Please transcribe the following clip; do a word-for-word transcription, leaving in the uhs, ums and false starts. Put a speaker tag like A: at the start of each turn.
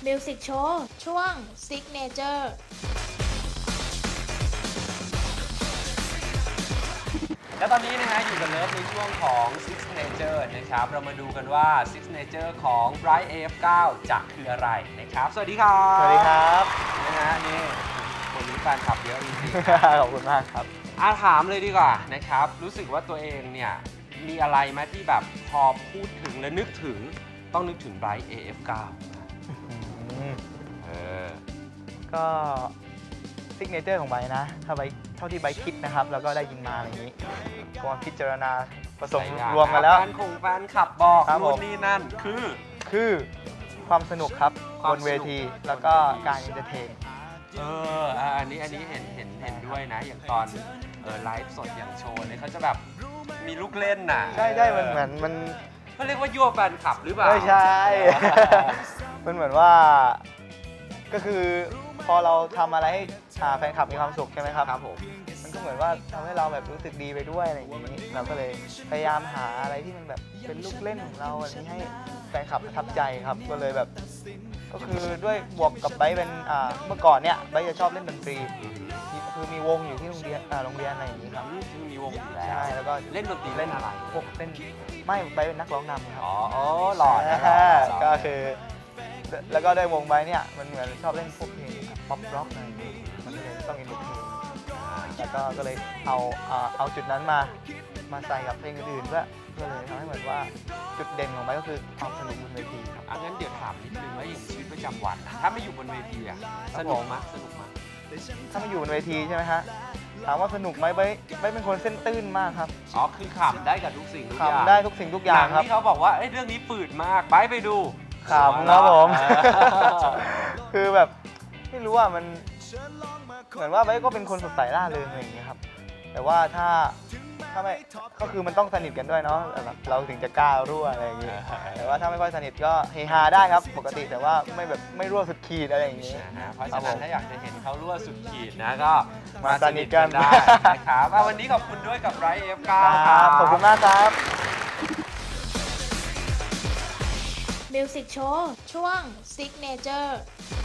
A: มิวสิกโชว์ช่วง Signature
B: และตอนนี้นะฮะอยู่กับเลิฟในช่วงของ Signature นะครับเรามาดูกันว่า Signature ของ Bright เอ เอฟ เก้า จะคืออะไรนะครับสวัสดีครับ
C: สวัสดีครับ
B: นะฮะนี่คนนี้แฟนคลับเยอะจริง
C: ๆขอบคุณมากครับ
B: อาถามเลยดีกว่านะครับรู้สึกว่าตัวเองเนี่ยมีอะไรไหมที่แบบพอพูดถึงและนึกถึงต้องนึกถึง Bright เอ เอฟ เก้า เออ
C: ก็ซิกเนเจอร์ของไบนะถ้าไบเท่าที่ไบคิดนะครับแล้วก็ได้ยินมาอะไรอย่างนี้ก็พิจารณาผสมรวมกันแล้ว
B: แฟนคงแฟนขับบอกนู่นนี่นั่นคือ
C: คือความสนุกครับบนเวทีแล้วก็การเอนเตอร์เทน
B: เอออันนี้อันนี้เห็นเห็นเห็นด้วยนะอย่างตอนเออไลฟ์สดอย่างโชว์เนี่ยเขาจะแบบมีลูกเล่นน่ะ
C: ใช่ใช่มันเหมือนมัน
B: เขาเรียกว่ายั่วแฟนคลับหรือเปล่า
C: ไม่ใช่ มันเหมือนว่าก็คือพอเราทำอะไรให้แฟนคลับมีความสุขใช่ไหมครับ
B: ครับผม
C: มันก็เหมือนว่าทำให้เราแบบรู้สึกดีไปด้วยอะไรอย่างนี้เราก็เลยพยายามหาอะไรที่มันแบบเป็นลูกเล่นของเราอันนี้ให้แฟนคลับประทับใจครับก็เลยแบบก็คือด้วยบวกกับไบร์ทเป็นเมื่อก่อนเนี่ยไบร์ทจะชอบเล่นดนตรีคือมีวงอยู่ที่โรงเรียนโรงเรียนอะไรอย่างนี้ครับ
B: คือมีวงอยู่แล้ว
C: ใช่แล้วก็
B: เล่นดนตรีเล่นอะไร
C: พวกเล่นไม่ไบร์ทเป็นนักร้องนำครับ
B: อ๋อหล่อนะ
C: ก็คือแล้วก็ได้วงไบร์ทเนี่ยมันเหมือนชอบเล่นพวกเพลงป๊อปร็อกอะไรอย่างนี้มันก็เลยต้องเอ็นดูเพลงแล้วก็ก็เลยเอาเอาจุดนั้นมามาใส่กับเพลงอื่นๆเพื่อเพื่อเลยทำให้เหมือนว่าจุดเด่นของไบร์ทก็คือความสนุกบนเวทีครับ
B: งั้นเดี๋ยวถามนิดนึงว่าอย่างชีวิตประจำวันถ้าไม่อยู่บนเวทีอะสนุกมั้ยสนุกมั้ย
C: ถ้าไม่อยู่บนเวทีใช่ไหมฮะถามว่าสนุกไหมไบร์ทไบร์ทเป็นคนเส้นตื้นมากครับ
B: อ๋อคือขำได้กับทุกสิ่งทุกอย่าง
C: ขำได้ทุกสิ่งทุกอย่างครับ
B: ที่เขาบอกว่าเรื่องนี้ฝืดมากไบร์ทไปดู
C: ขำครับผมคือแบบไม่รู้ว่ามันเหมือนว่าไบร์ทก็เป็นคนสดใสร่าเริงอะไรอย่างเงี้ยครับแต่ว่าถ้าถ้าไม่ก็คือมันต้องสนิทกันด้วยเนาะแบบเราถึงจะกล้ารั่วอะไรอย่างเงี้ยแต่ว่าถ้าไม่ค่อยสนิทก็เฮฮาได้ครับปกติแต่ว่าไม่แบบไม่รั่วสุดขีดอะไรอย่างเงี้ย
B: เพราะฉะนั้นถ้าอยากจะเห็นเขารั่วสุดขีดนะก็
C: มาสนิทกัน
B: ได้นะครับวันนี้ขอบคุณด้วยกับ Bright เอ เอฟ เก้า
C: ครับขอบคุณมากครับ
A: มิวสิกโชว์ช่วง Signature